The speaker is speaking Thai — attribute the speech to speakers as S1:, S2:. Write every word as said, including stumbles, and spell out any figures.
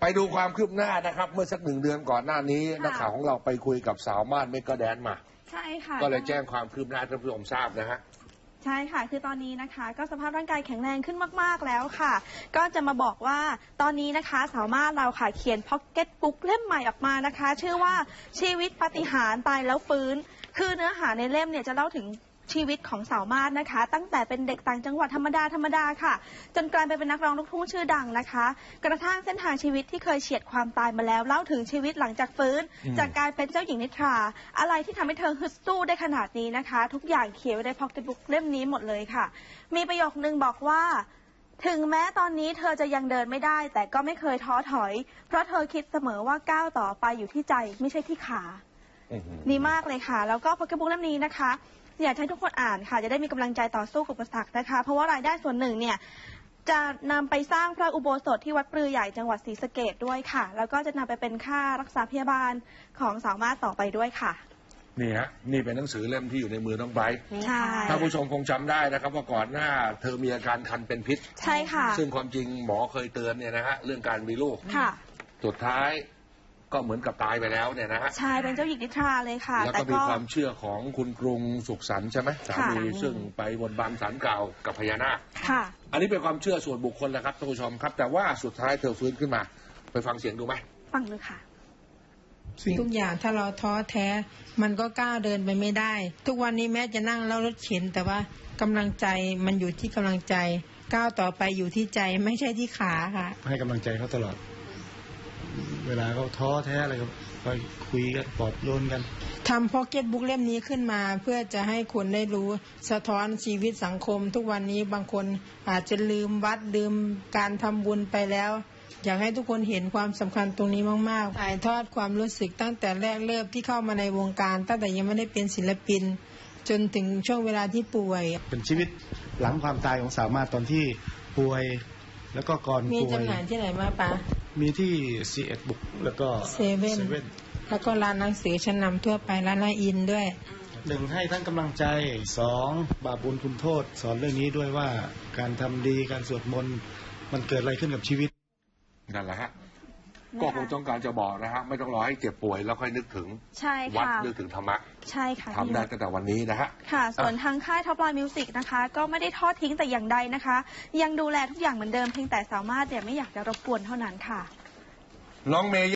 S1: ไปดูความคืบหน้านะครับเมื่อสักหนึ่งเดือนก่อนหน้านี้นักข่าวของเราไปคุยกับสาวมาดเมกะแดนมา
S2: ใช่ค่ะ
S1: ก็เลยแจ้งความคืบหน้าให้ท่านผู้ชมทราบนะฮะ
S2: ใช่ค่ะคือตอนนี้นะคะก็สภาพร่างกายแข็งแรงขึ้นมากๆแล้วค่ะก็จะมาบอกว่าตอนนี้นะคะสาวมาดเราค่ะเขียนพ็อกเก็ตบุ๊กเล่มใหม่ออกมานะคะชื่อว่าชีวิตปาฏิหาริย์ตายแล้วฟื้นคือเนื้อหาในเล่มเนี่ยจะเล่าถึงชีวิตของสาวมาดนะคะตั้งแต่เป็นเด็กต่างจังหวัดธรรมดาธรรมดาค่ะจนกลายไปเป็นนักร้องลูกทุ่งชื่อดังนะคะกระทั่งเส้นทางชีวิตที่เคยเฉียดความตายมาแล้วเล่าถึงชีวิตหลังจากฟื้นจากการเป็นเจ้าหญิงนิทราอะไรที่ทำให้เธอฮึดสู้ได้ขนาดนี้นะคะทุกอย่างเขียนไว้ในพ็อกเก็ตบุ๊กเล่มนี้หมดเลยค่ะมีประโยคนึงบอกว่าถึงแม้ตอนนี้เธอจะยังเดินไม่ได้แต่ก็ไม่เคยท้อถอยเพราะเธอคิดเสมอว่าก้าวต่อไปอยู่ที่ใจไม่ใช่ที่ขาดีมากเลยค่ะแล้วก็พ็อกเก็ตบุ๊กเล่มนี้นะคะอยากให้ทุกคนอ่านค่ะจะได้มีกำลังใจต่อสู้กับอุปสรรคนะคะเพราะว่ารายได้ส่วนหนึ่งเนี่ยจะนำไปสร้างพระอุโบสถที่วัดปลือใหญ่จังหวัดศรีสะเกษด้วยค่ะแล้วก็จะนำไปเป็นค่ารักษาพยาบาลของสาวมาดต่อไปด้วยค่ะ
S1: นี่ฮะนี่เป็นหนังสือเล่มที่อยู่ในมือน้องไบรท์
S2: ใช่
S1: ถ้าผู้ชมคงจำได้นะครับว่าก่อนหน้าเธอมีอาการคันเป็นพิษ
S2: ใช่ค่ะ
S1: ซึ่งความจริงหมอเคยเตือนเนี่ยนะฮะเรื่องการมีลูก
S2: ค่ะ
S1: สุดท้ายก็เหมือนกับตายไปแล้วเนี่ยนะฮะ
S2: ใช่เป็นเจ้าหญิงนิทราเลยค่ะ
S1: แล้วก็มีความเชื่อของคุณกรุงสุขสันต์ใช่ไหมสามีซึ่งไปบนบานศาลกล่าวกับพญานาค
S2: ค่ะ
S1: อันนี้เป็นความเชื่อส่วนบุคคลนะครับท่านผู้ชมครับแต่ว่าสุดท้ายเธอฟื้นขึ้นมาไปฟังเสียงดูไหม
S2: ฟังดูค่ะ
S3: ทุกอย่างถ้าเราท้อแท้มันก็ก้าวเดินไปไม่ได้ทุกวันนี้แม้จะนั่งแล้วรถเข็นแต่ว่ากำลังใจมันอยู่ที่กำลังใจก้าวต่อไปอยู่ที่ใจไม่ใช่ที่ขาค่ะ
S4: ให้กำลังใจเขาตลอดเวลาเขาท้อแท้อะไรก็คอยคุยกันปลอบโยนกัน
S3: ทำพ็อกเก็ตบุ๊กเล่มนี้ขึ้นมาเพื่อจะให้คนได้รู้สะท้อนชีวิตสังคมทุกวันนี้บางคนอาจจะลืมวัดลืมการทำบุญไปแล้วอยากให้ทุกคนเห็นความสำคัญตรงนี้มากๆถ่ายทอดความรู้สึกตั้งแต่แรกเริ่มที่เข้ามาในวงการตั้งแต่ยังไม่ได้เป็นศิลปินจนถึงช่วงเวลาที่ป่วย
S4: เป็นชีวิตหลังความตายของสาวมาตอนที่ป่วยแล้วก็ก่อนป่วย
S3: มีจำหน่ายที่ไหนมาปะ
S4: มีที่ซีเอ็ดบุ๊กแล้วก็
S3: เซเว่นแล้วก็ร้านหนังสือชั้นนำทั่วไปร้านนาอินด้วย
S4: หนึ่งให้ทั้งกำลังใจสองบาปบุญคุณโทษสอนเรื่องนี้ด้วยว่าการทำดีการสวดมนต์มันเกิดอะไรขึ้นกับชีวิต
S1: นั่นแหละฮะก็คงต้องการจะบอกนะฮะไม่ต้องรอให้เจ็บป่วยแล้วค่อยนึกถึงวัดนึกถึงธรรมะ
S2: ใช่ค่ะ
S1: ทำได้ตั้งแต่วันนี้นะฮะ
S2: ค่ะส่วนทางค่ายท็อปไลน์มิวสิกนะคะก็ไม่ได้ทอดทิ้งแต่อย่างใดนะคะยังดูแลทุกอย่างเหมือนเดิมเพียงแต่สามารถเนี่ยไม่อยากจะรบกวนเท่านั้นค่ะ
S1: น้องเมย์